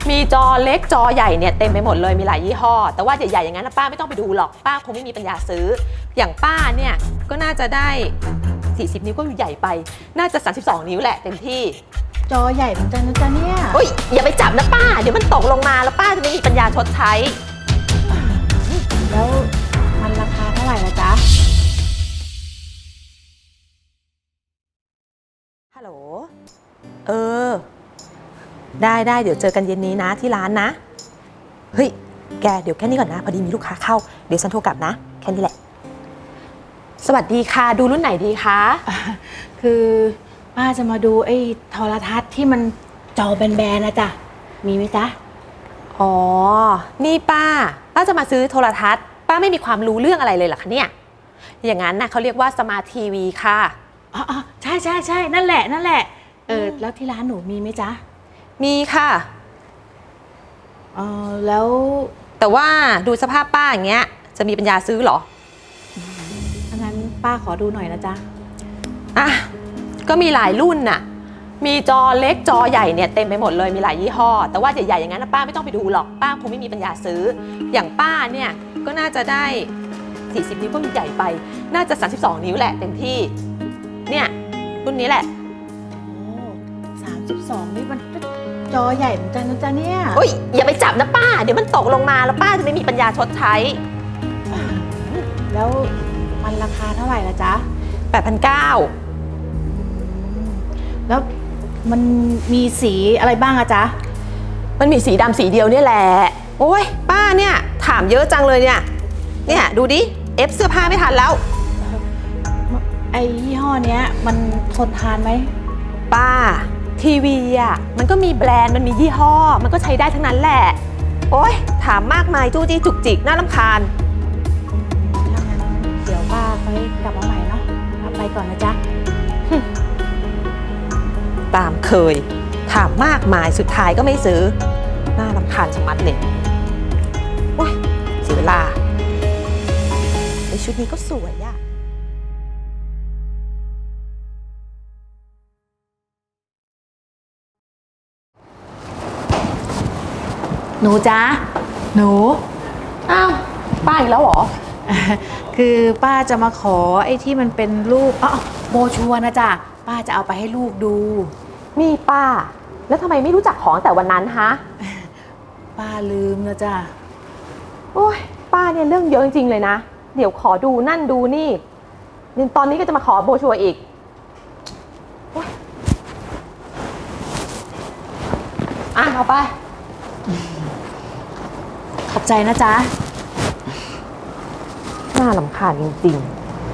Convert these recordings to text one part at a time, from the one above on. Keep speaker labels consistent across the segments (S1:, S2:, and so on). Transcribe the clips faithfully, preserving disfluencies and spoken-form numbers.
S1: มีจอเล็กจอใหญ่เนี่ยเต็มไปหมดเลยมีหลายยี่ห้อแต่ว่าใหญ่ๆอย่างนั้นนะป้าไม่ต้องไปดูหรอกป้าคงไม่มีปัญญาซื้ออย่างป้าเนี่ยก็น่าจะได้สี่สิบนิ้วก็ใหญ่ไปน่าจะสามสิบสองนิ้วแหละเต็มที่
S2: จอใหญ่เหมือนกันนะจ๊ะเนี่ย
S1: โอ้ยอย่าไปจับนะป้าเดี๋ยวมันตกลงมาแล้วป้าจะไม่มีปัญญาชดใช้
S2: แล้วมันราคาเท่าไหร่ละจ๊ะ
S1: ฮัลโหลเออได้ได้เดี๋ยวเจอกันเย็นนี้นะที่ร้านนะเฮ้ยแกเดี๋ยวแค่นี้ก่อนนะพอดีมีลูกค้าเข้าเดี๋ยวฉันโทรกลับนะแค่นี้แหละสวัสดีค่ะดูรุ่นไหนดีคะ
S2: คือป้าจะมาดูไอ้โทรทัศน์ที่มันจอแบนๆนะจ๊ะมีไหมจ๊ะ
S1: อ๋อนี่ป้าป้าจะมาซื้อโทรทัศน์ป้าไม่มีความรู้เรื่องอะไรเลยเหรอคะเนี่ยอย่างนั้นนะเขาเรียกว่าสมาร์ททีวีค่ะ
S2: อ๋อใช่ใช่ใช่นั่นแหละนั่นแหละเออแล้วที่ร้านหนูมีไหมจ๊ะ
S1: มีค่ะ
S2: เออแล้ว
S1: แต่ว่าดูสภาพป้าอย่างเงี้ยจะมีปัญญาซื้อเหรอ
S2: งั้นป้าขอดูหน่อยนะจ๊ะ
S1: อ่ะก็มีหลายรุ่นน่ะมีจอเล็กจอใหญ่เนี่ยเต็มไปหมดเลยมีหลายยี่ห้อแต่ว่าใหญ่ๆอย่างนั้นนะป้าไม่ต้องไปดูหรอกป้าคงไม่มีปัญญาซื้ออย่างป้าเนี่ยก็น่าจะได้สี่สิบนิ้วก็ใหญ่ไปน่าจะสามสิบสองนิ้วแหละเต็มที่เนี่ยรุ่นนี้แหละ
S2: โอ้สามสิบสองนี่มันจอใหญ่เหมือนกันนะจ๊ะเนี่ย
S1: โอ้ยอย่าไปจับนะป้าเดี๋ยวมันตกลงมาแล้วป้าจะไม่มีปัญญาชดใช้
S2: แล้วมันราคาเท่าไหร่ละจ๊ะ
S1: แปดพันเก้า
S2: แล้วมันมีสีอะไรบ้างอะจ๊ะ
S1: มันมีสีดำสีเดียวเนี่ยแหละโอ้ยป้าเนี่ยถามเยอะจังเลยเนี่ยเนี่ยดูดิเอฟเสื้อผ้าไม่ทันแล้ว
S2: ไอ้ยี่ห้อเนี้ยมันทนทานไหม
S1: ป้าทีวีอะมันก็มีแบรนด์มันมียี่ห้อมันก็ใช้ได้ทั้งนั้นแหละโอ้ยถามมากมายจู้จี้จุกจิกน่ารำคาญ
S2: ถ้างั้นเดี๋ยวป้าค่อยกลับมาใหม่เนาะไปก่อนนะจ๊ะ
S1: ตามเคยถามมากมายสุดท้ายก็ไม่ซื้อน่ารำคาญชะมัดเลยโอ้ยเสียเวลาไอชุดนี้ก็สวยอะ
S2: หนูจ๊ะหนู
S1: อ้าวป้าอีกแล้วเหรอ
S2: คือป้าจะมาขอไอ้ที่มันเป็นรูปอ๋อโบชัวนะจ๊ะป้าจะเอาไปให้ลูกดู
S1: มีป้าแล้วทำไมไม่รู้จักของแต่วันนั้นฮะ
S2: ป้าลืมนะจ๊ะ
S1: โอ้ยป้าเนี่ยเรื่องเยอะจริงๆเลยนะเดี๋ยวขอดูนั่นดูนี่เนี่ยตอนนี้ก็จะมาขอโบชัวอีกอ่ะเอาไป
S2: ขอบใจนะจ๊ะ
S1: น่ารำคาญจริงๆ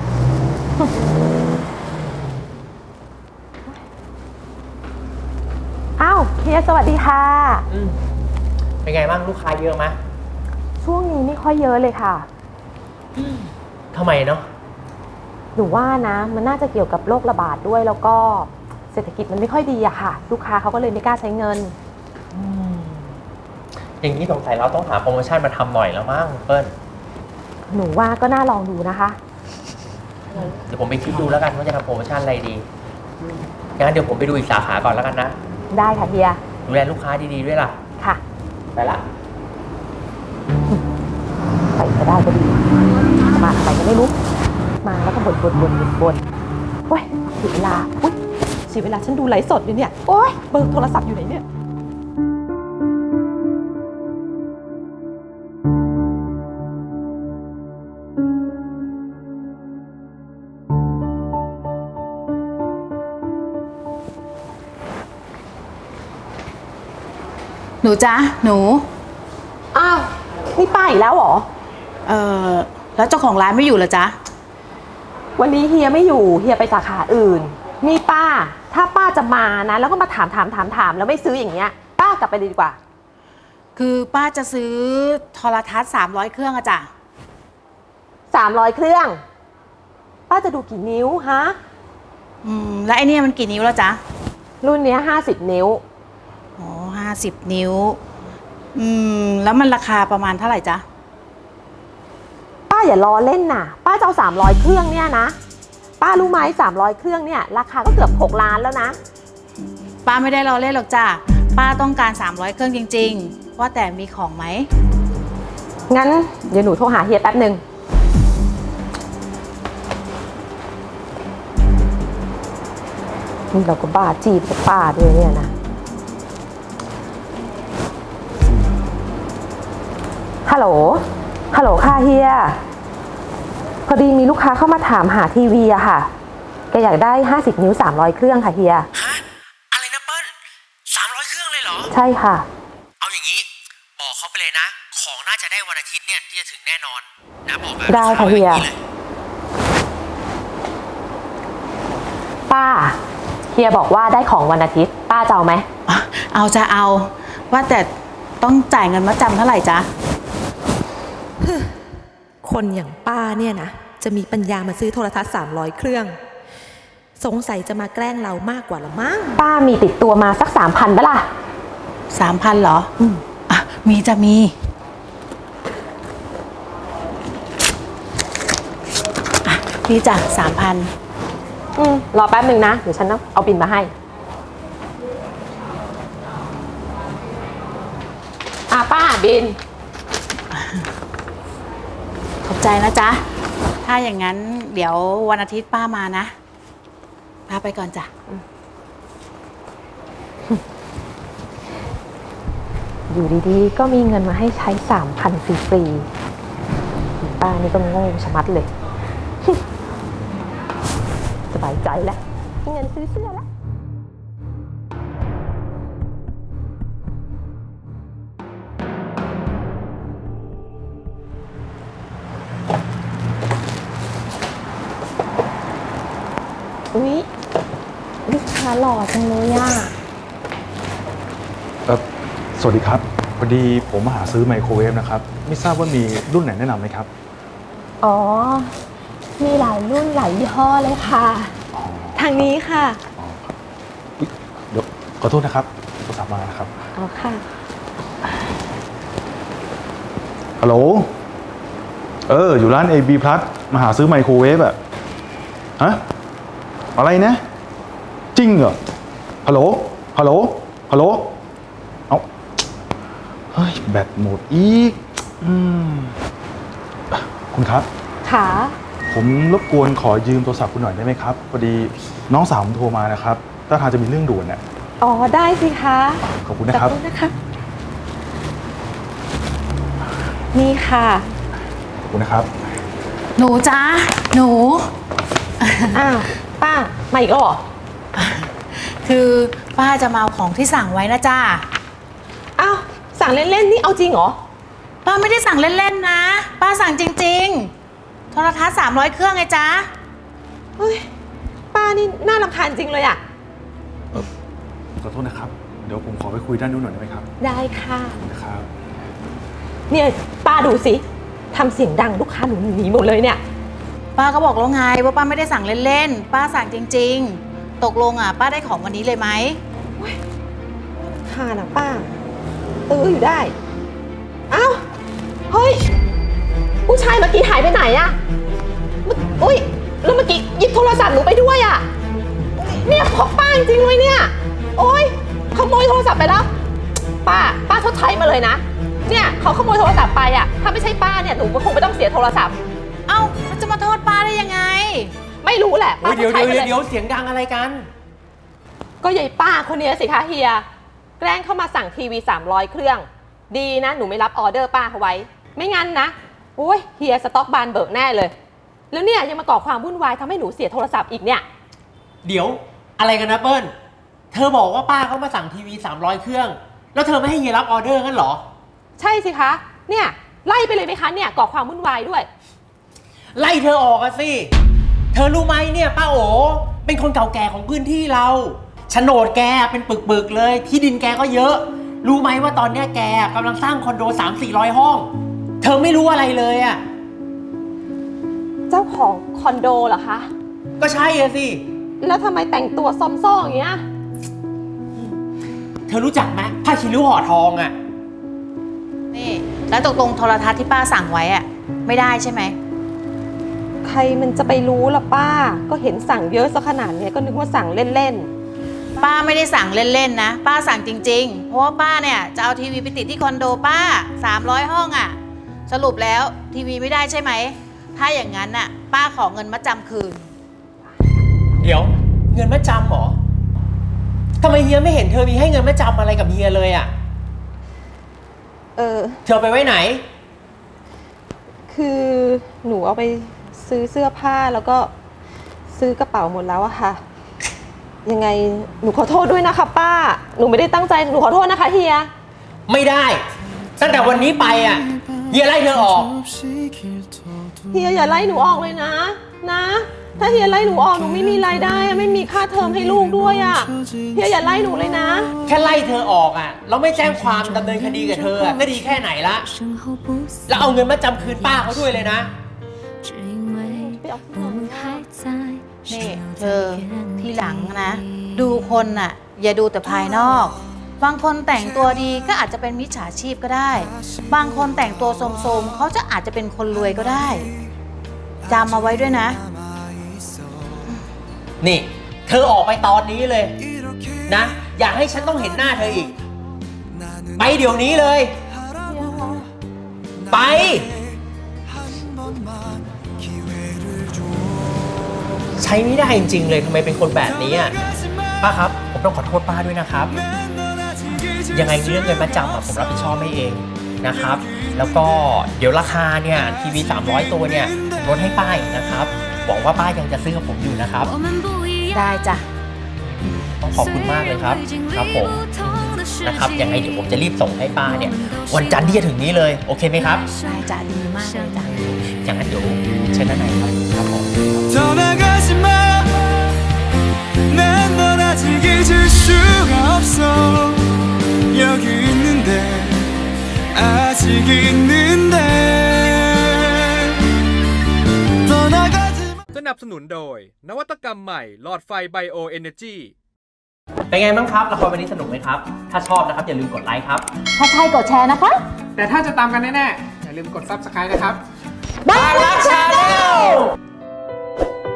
S1: อ้าวเฮียสวัสดีค่ะ
S3: เป็นไงบ้างลูกค้าเยอะไหม
S1: ช่วงนี้ไม่ค่อยเยอะเลยค่ะ
S3: ทำไมเนาะ
S1: หนูว่านะมันน่าจะเกี่ยวกับโรคระบาดด้วยแล้วก็เศรษฐกิจมันไม่ค่อยดีอะค่ะลูกค้าเขาก็เลยไม่กล้าใช้เงิน
S3: อย่างนี้สงสัยเราต้องหาโปรโมชั่นมาทำหน่อยแล้วมั้งเปิ้ล
S1: หนูว่าก็น่าลองดูนะคะ
S3: เดี๋ยวผมไปคิดดูแล้วกันว่าจะทำโปรโมชั่นอะไรดีงั้นเดี๋ยวผมไปดูอีกสาขาก่อนแล้วกันนะ
S1: ได้ค่ะเฮีย
S3: ดูแลลูกค้าดีๆด้วยล่ะ
S1: ค่ะ
S3: ไปละ
S1: ไปก็ได้ก็ดีมาไปก็ไม่รู้มาแล้วก็บ่นบ่นบ่นบ่นโอ๊ยเสียเวลาอุ๊ยเสียเวลาฉันดูไลฟ์สดอยู่เนี่ยโอ๊ยเบอร์โทรศัพท์อยู่ไหนเนี่ย
S2: หนูจ๊ะหนู
S1: อ้าวนี่ป้าอีกแล้วเหรอ
S2: เออแล้วเจ้าของร้านไม่อยู่เหรอจ๊ะ
S1: วันนี้เฮียไม่อยู่เฮียไปสาขาอื่นนี่ป้าถ้าป้าจะมานะแล้วก็มาถามถามถามถามแล้วไม่ซื้ออย่างเงี้ยป้ากลับไปเลยดีกว่า
S2: คือป้าจะซื้อโทรทัศน์สามร้อยเครื่องอะจ๊ะ
S1: สามร้อยเครื่องป้าจะดูกี่นิ้วฮะ
S2: อืมแล้วไอ้นี่มันกี่นิ้วแล้วจ๊ะ
S1: รุ่นนี้ห้าสิบนิ้ว
S2: อ๋อห้าสิบนิ้วอืมแล้วมันราคาประมาณเท่าไหร่จ๊ะ
S1: ป้าอย่าล้อเล่นน่ะป้าจะเอาสามร้อยเครื่องเนี่ยนะป้ารู้ไหมสามร้อยเครื่องเนี่ยราคาก็เกือบหกล้านแล้วนะ
S2: ป้าไม่ได้ล้อเล่นหรอกจ้ะป้าต้องการสามร้อยเครื่องจริงๆว่าแต่มีของไหม
S1: งั้นเดี๋ยวหนูโทรหาเฮียแป๊บหนึ่งนี่เราก็บ้าจีบกับป้าด้วยเนี่ยนะ ฮัลโหล ฮัลโหลค่ะเฮีย พอดีมีลูกค้าเข้ามาถามหาทีวีอะค่ะแกอยากได้ห้าสิบนิ้วสามร้อยเครื่องค่ะเฮีย
S3: ฮะ อะไรนะเปิ้ลสามร้อยเครื่องเลยเหรอ
S1: ใช่ค่ะ
S3: เอาอย่างนี้ บอกเขาไปเลยนะ ของน่าจะได้วันอาทิตย์เนี่ยที่จะถึงแน่นอนนะบอกแบบ
S1: ได้ค่ะเฮีย ป้า เฮียบอกว่าได้ของวันอาทิตย์ ป้าจะเอาไหม
S2: เอาจะเอาว่าแต่ต้องจ่ายเงินมาจำเท่าไหร่จ๊ะ
S1: คนอย่างป้าเนี่ยนะจะมีปัญญามาซื้อโทรทัศน์สามร้อยเครื่อง สงสัยจะมาแกล้งเรามากกว่าละมั้ง ป้ามีติดตัวมาสักสามพันปะล่ะ
S2: สามพันเหรอ อืมอ่ะมีจะมีอ่ะนี่จ้ะสามพัน
S1: อืมรอแป๊บหนึ่งนะ เดี๋ยวฉันเอาบินมาให้ อ่ะป้าบิน
S2: ขอบใจนะจ๊ะ ถ้าอย่างนั้นเดี๋ยววันอาทิตย์ป้ามานะป้าไปก่อนจ้ะ
S1: อยู่ดีๆ ก็มีเงินมาให้ใช้สามพันฟรีๆป้านี่ก็โง่ชะมัดเลย สบายใจแล้วมีเงินซื้อเสื้อแล้ว อุ๊ยลูกค้าหล่อจังเลยอ่ะ
S4: เออสวัสดีครับพอดีผมมาหาซื้อไมโครเวฟนะครับไม่ทราบว่ามีรุ่นไหนแนะนำไหมครับ
S1: อ๋อ มีหลายรุ่นหลายยี่ห้อเลยค่ะ ทางนี้ค่ะ
S4: อ๋อครับอุ๊ยเดี๋ยวขอโทษนะครับโทรศัพท์มานะครับ
S1: อ๋อค่ะ
S4: ฮัลโหลเอออยู่ร้าน เอ บี Plus มาหาซื้อไมโครเวฟอะฮะอะไรนะจริงเหรอฮัลโหลฮัลโหลฮัลโหลเอาเฮ้ยแบตหมดอีกอืมคุณครับ
S1: ค่ะ
S4: ผมรบกวนขอยืมโทรศัพท์คุณหน่อยได้ไหมครับพอดีน้องสาวผมโทรมานะครับถ้าทางจะมีเรื่องด่วนเนี่ย
S1: อ๋อ ได้สิคะ
S4: ขอบคุณนะครับ
S1: ขอบคุณนะคะ นี่ค่ะ
S4: ขอบคุณนะครับ
S2: หนูจ้าหนู
S1: อ้าว ป้า มาอีกแล้วเหรอ
S2: คือป้าจะมาเอาของที่สั่งไว้นะจ้า
S1: อ้าว สั่งเล่นๆ นี่เอาจริงเหรอ
S2: ป้าไม่ได้สั่งเล่นๆนะ ป้าสั่งจริงๆ โทรทัศน์สามร้อยเครื่องไงจ๊ะ
S1: เฮ้ย ป้านี่น่ารำคาญจริงเลยอะ
S4: เออขอโทษนะครับ เดี๋ยวผมขอไปคุยด้านนู้นหน่อยได้ไหมครับ
S1: ได้ค่ะ
S4: นะครับ
S1: เนี่ย ป้าดูสิทำเสียงดังลูกค้าหนูหนีหมดเลยเนี่ย
S2: ป้าก็บอกแล้วไงว่าป้าไม่ได้สั่งเล่นๆ ป้าสั่งจริงๆ ตกลงอ่ะป้าได้ของวันนี้เลยไหม
S1: ค่ะนะป้าตื้ออยู่ได้ อ้าว เฮ้ย ผู้ชายเมื่อกี้หายไปไหนอะเมื่ออุ้ย แล้วเมื่อกี้หยิบโทรศัพท์หนูไปด้วยอะเนี่ยของป้าจริงๆเลยเนี่ย โอ๊ย ขโมยโทรศัพท์ไปแล้ว ป้า ป้าชดใช้มาเลยนะ เนี่ยเขาขโมยโทรศัพท์ไปอะถ้าไม่ใช่ป้าเนี่ยหนูก็คงไม่ต้องเสียโทรศัพท์
S2: เอ้ามันจะมาโทษป้าได้ยังไง
S1: ไม่รู้แหละ
S3: โอ้
S1: ป้าย ช
S3: เดี๋ยว
S1: ดใช้
S3: เดี๋ยว
S1: ไปเลย
S3: เดี๋ยวเสียงดังอะไรกัน
S1: ก็ยายป้าคนนี้สิคะเฮีย แกล้งเข้ามาสั่งทีวีสามร้อยเครื่อง ดีนะหนูไม่รับออเดอร์ป้าเขาไว้ ไม่งั้นนะโอ้ยเฮียสต็อกบานเบิกแน่เลย แล้วเนี่ยยังมาก่อความวุ่นวายทำให้หนูเสียโทรศัพท์อีกเนี่ย
S3: เดี๋ยวอะไรกันนะเปิ้ลเธอบอกว่าป้าเขามาสั่งทีวีสามร้อยเครื่อง แล้วเธอไม่ให้เฮียรับออเดอร์งั้นเหรอ
S1: ใช่สิคะ เนี่ยไล่ไปเลยไหมคะเนี่ยก่อความวุ่นวายด้วย
S3: ไล่เธอออกอะสิ เธอรู้ไหมเนี่ยป้าโอเป็นคนเก่าแก่ของพื้นที่เราโฉนดแกเป็นปึกๆเลย ที่ดินแกก็เยอะ รู้ไหมว่าตอนเนี้ยแกกำลังสร้างคอนโดสามสี่ร้อยห้อง เธอไม่รู้อะไรเลยอะ
S1: เจ้าของคอนโดเหรอคะ
S3: ก็ใช่อะสิ
S1: แล้วทำไมแต่งตัวซอมซ่ออย่างเงี้ย
S3: เธอรู้จักไหมผ้าคีริ้วห่อทองอะ
S2: นี่แล้วตกลงโทรทัศน์ที่ป้าสั่งไว้อะไม่ได้ใช่ไหม
S1: ใครมันจะไปรู้ล่ะป้า ก็เห็นสั่งเยอะซะขนาดเนี้ยก็นึกว่าสั่งเล่น
S2: ป้าไม่ได้สั่งเล่นๆนะ ป้าสั่งจริงๆ เพราะว่าป้าเนี่ยจะเอาทีวีไปติดที่คอนโดป้าสามร้อยห้องอะ่ะ สรุปแล้วทีวีไม่ได้ใช่ไหม ถ้าอย่างนั้นน่ะป้าขอเงินมาจำคืน
S3: เดี๋ยวเงินมาจำเหรอทำไมเฮียไม่เห็นเธอมีให้เงินมาจำอะไรกับเฮียเลยอะ่ะ
S1: เออ
S3: เธอไปไว้ไหน
S1: คือหนูเอาไปซื้อเสื้อผ้าแล้วก็ซื้อกระเป๋าหมดแล้วอะค่ะ ยังไงหนูขอโทษด้วยนะคะป้า หนูไม่ได้ตั้งใจ หนูขอโทษนะคะเฮีย
S3: ไม่ได้ ตั้งแต่วันนี้ไปอ่ะเฮียไล่เธอออก
S1: เฮียอย่าไล่หนูออกเลยนะ นะ ถ้าเฮียไล่หนูออกหนูไม่มีรายได้อะไม่มีค่าเทอมให้ลูกด้วยอะเฮียอย่าไล่หนูเลยนะ
S3: แค่ไล่เธอออกอ่ะเราไม่แจ้งความดำเนินคดีกับเธออะก็ดีแค่ไหนละแล้วเอาเงินมาจำคืนป้าเขาด้วยเลยนะ
S2: นี่เธอที่หลังนะ ดูคนน่ะ อย่าดูแต่ภายนอก บางคนแต่งตัวดีก็อาจจะเป็นมิจฉาชีพก็ได้ บางคนแต่งตัวโสมๆเขาจะอาจจะเป็นคนรวยก็ได้จำมาไว้ด้วยนะ
S3: นี่ เธอออกไปตอนนี้เลยนะ อยากให้ฉันต้องเห็นหน้าเธออีก ไปเดี๋ยวนี้เลย ไป ใช้ไม่ได้จริงๆเลยทำไมเป็นคนแบบนี้อ่ะป้าครับผมต้องขอโทษป้าด้วยนะครับ ยังไงเรื่องเงินมาจำอะผมรับผิดชอบให้เองนะครับ แล้วก็เดี๋ยวราคาเนี่ยทีวีสามร้อยตัวเนี่ยผมลดให้ป้าอีกนะครับหวังว่าป้ายังจะซื้อกับผมอยู่นะครับ
S2: ได้จ้ะ
S3: ต้องขอบคุณมากเลยครับครับผมนะครับยังไงเดี๋ยวผมจะรีบส่งให้ป้าเนี่ยวันจันทร์ที่จะถึงนี้เลยโอเคไหมครับ
S2: ได้จ้ะดีมากเลยจ้ะ
S3: อย่างนั้นเดี๋ยวเชิญด้านในครับครับผม
S5: 떠나가지 마 난 널 아직 잊을 수가 없어 여기 있는데 아직 있는데 떠나가지 마
S6: สนับสนุนโดย นวัตกรรมใหม่หลอดไฟไบโอเอเนจี
S3: เป็นไงบ้างครับละครวันนี้สนุกไหมครับถ้าชอบนะครับอย่าลืมกดไลค์ครับ
S2: ถ้าใช่กดแชร์นะคะ
S7: แต่ถ้าจะตามกันแน่ๆ อย่าลืมกด ซับสไครบ์ นะครับ
S3: บางรักชาแนล